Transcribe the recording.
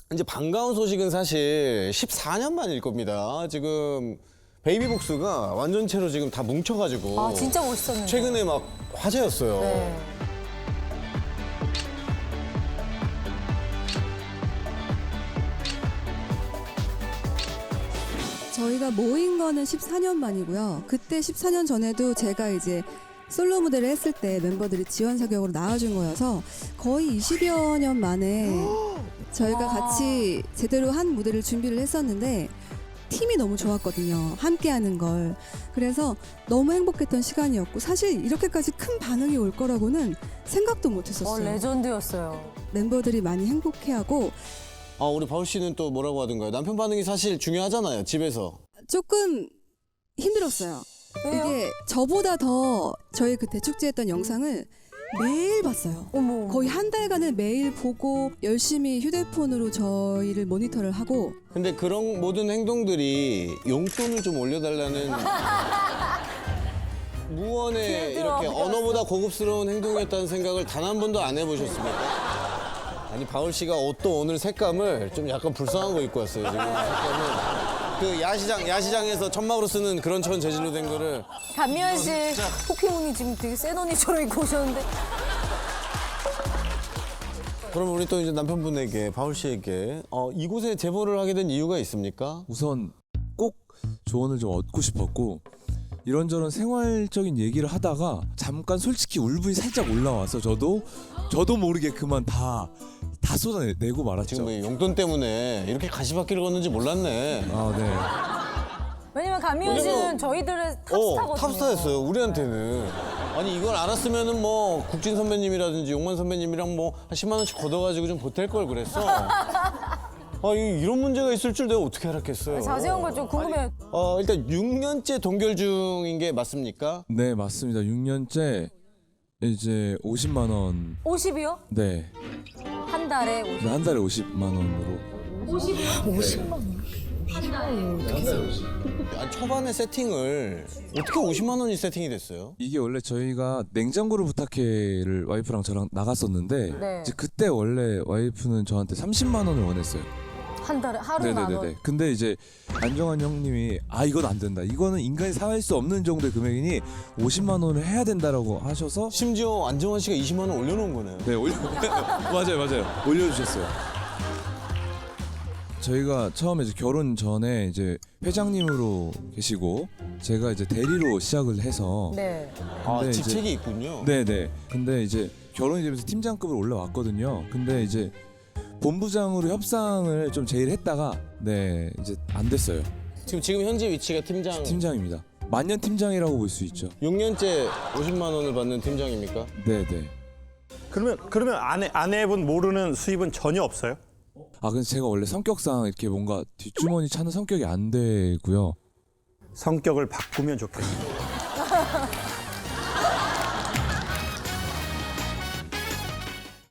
이제 반가운 소식은 사실 14년 만일 겁니다. 지금 베이비복스가 완전체로 지금 다 뭉쳐가지고 아 진짜 멋있었는데. 최근에 막 화제였어요. 네. 저희가 모인 거는 14년 만이고요. 그때 14년 전에도 제가 이제 솔로 무대를 했을 때 멤버들이 지원 사격으로 나와준 거여서 거의 20여 년 만에 저희가 같이 제대로 한 무대를 준비를 했었는데 팀이 너무 좋았거든요. 함께 하는 걸. 그래서 너무 행복했던 시간이었고 사실 이렇게까지 큰 반응이 올 거라고는 생각도 못 했었어요. 레전드였어요. 멤버들이 많이 행복해하고 아, 우리 바울 씨는 또 뭐라고 하던가요? 남편 반응이 사실 중요하잖아요, 집에서. 조금 힘들었어요. 왜요? 이게 저보다 더 저희 그 대축제 했던 영상을 매일 봤어요. 어머. 거의 한 달간을 매일 보고 열심히 휴대폰으로 저희를 모니터를 하고 근데 그런 모든 행동들이 용돈을 좀 올려달라는 무언의 이렇게 언어보다 고급스러운 행동이었다는 생각을 단 한 번도 안 해보셨습니까? 아니, 바울 씨가 옷도 오늘 색감을 좀 약간 불쌍한 거 입고 왔어요, 지금. 색감은. 그 야시장에서 천막으로 쓰는 그런 천 재질로 된 거를. 감미연 씨 포켓몬이 지금 되게 센 언니처럼 입고 오셨는데. 그럼 우리 또 이제 남편분에게, 바울 씨에게 이곳에 제보를 하게 된 이유가 있습니까? 우선 꼭 조언을 좀 얻고 싶었고 이런저런 생활적인 얘기를 하다가 잠깐 솔직히 울분이 살짝 올라와서 저도 모르게 그만 다 쏟아내고 말았죠. 지금 뭐 용돈 때문에 이렇게 가시밭길을 걷는지 몰랐네. 아, 네. 왜냐면 감미연 씨는 저희들의 탑스타거든요. 탑스타였어요, 우리한테는. 아니, 이걸 알았으면은 뭐 국진 선배님이라든지 용만 선배님이랑 뭐 한 10만 원씩 걷어가지고 좀 보탤 걸 그랬어. 아, 이런 문제가 있을 줄 내가 어떻게 알았겠어요. 자세한 걸 좀 궁금해요. 일단 6년째 동결 중인 게 맞습니까? 네, 맞습니다. 6년째 이제 50만 원. 50이요? 네. 한 달에 50. 한 달에 50만 원으로. 아니, 초반에 세팅을 어떻게 50만 원이 세팅이 됐어요? 이게 원래 저희가 냉장고를 부탁해를 와이프랑 저랑 나갔었는데 네. 이제 그때 원래 와이프는 저한테 30만 원을 원했어요. 한 달에 하루에 만 원. 근데 이제 안정환 형님이 이건 안 된다. 이거는 인간이 사할 수 없는 정도의 금액이니 50만 원을 해야 된다라고 하셔서 심지어 안정환 씨가 20만 원 올려놓은 거네요. 네, 맞아요. 올려주셨어요. 저희가 처음에 이제 결혼 전에 이제 회장님으로 계시고 제가 이제 대리로 시작을 해서 네. 근데 직책이 있군요. 네네. 근데 이제 결혼이 되면서 팀장급으로 올라왔거든요. 근데 이제 본부장으로 협상을 좀 제일 했다가 네 이제 안 됐어요. 지금 현재 위치가 팀장입니다. 만년 팀장이라고 볼 수 있죠. 6년째 50만 원을 받는 팀장입니까? 네네. 그러면 아내분 모르는 수입은 전혀 없어요? 근데 제가 원래 성격상 이렇게 뭔가 뒷주머니 차는 성격이 안 되고요. 성격을 바꾸면 좋겠어요.